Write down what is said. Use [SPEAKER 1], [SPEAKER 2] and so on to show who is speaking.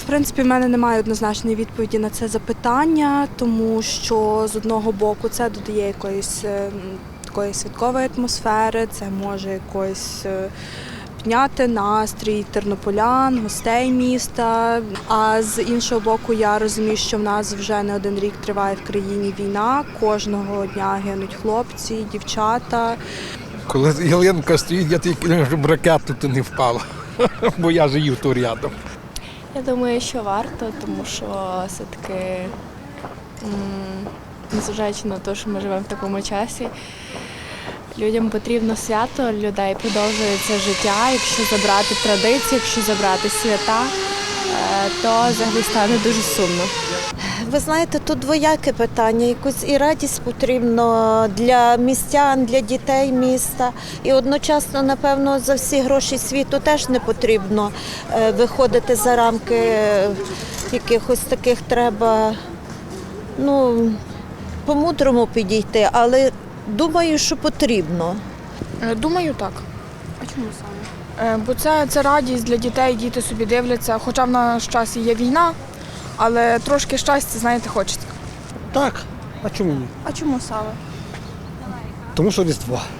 [SPEAKER 1] принципі, в мене немає однозначної відповіді на це запитання, тому що з одного боку це додає якоїсь такої святкової атмосфери, це може якось підняти настрій тернополян, гостей міста. А з іншого боку, я розумію, що в нас вже не один рік триває в країні війна, кожного дня гинуть хлопці, дівчата.
[SPEAKER 2] Коли ялинка стоїть, я тільки, щоб ракета тут не впала, бо я живу тут рядом.
[SPEAKER 3] Я думаю, що варто, тому що все-таки, незважаючи на те, що ми живемо в такому часі, людям потрібно свято, людей продовжується життя. Якщо забрати традиції, якщо забрати свята, то взагалі стане дуже сумно.
[SPEAKER 4] Ви знаєте, тут двояке питання. Якусь і радість потрібно для містян, для дітей міста. І одночасно, напевно, за всі гроші світу теж не потрібно виходити за рамки якихось таких треба, по-мудрому підійти, але думаю, що потрібно.
[SPEAKER 5] Думаю, так.
[SPEAKER 1] А чому саме?
[SPEAKER 5] Бо це радість для дітей, діти собі дивляться, хоча в наш час і є війна, але трошки щастя, знаєте, хочеться.
[SPEAKER 6] Так, а чому ні?
[SPEAKER 1] А чому саме?
[SPEAKER 6] Тому що Різдво.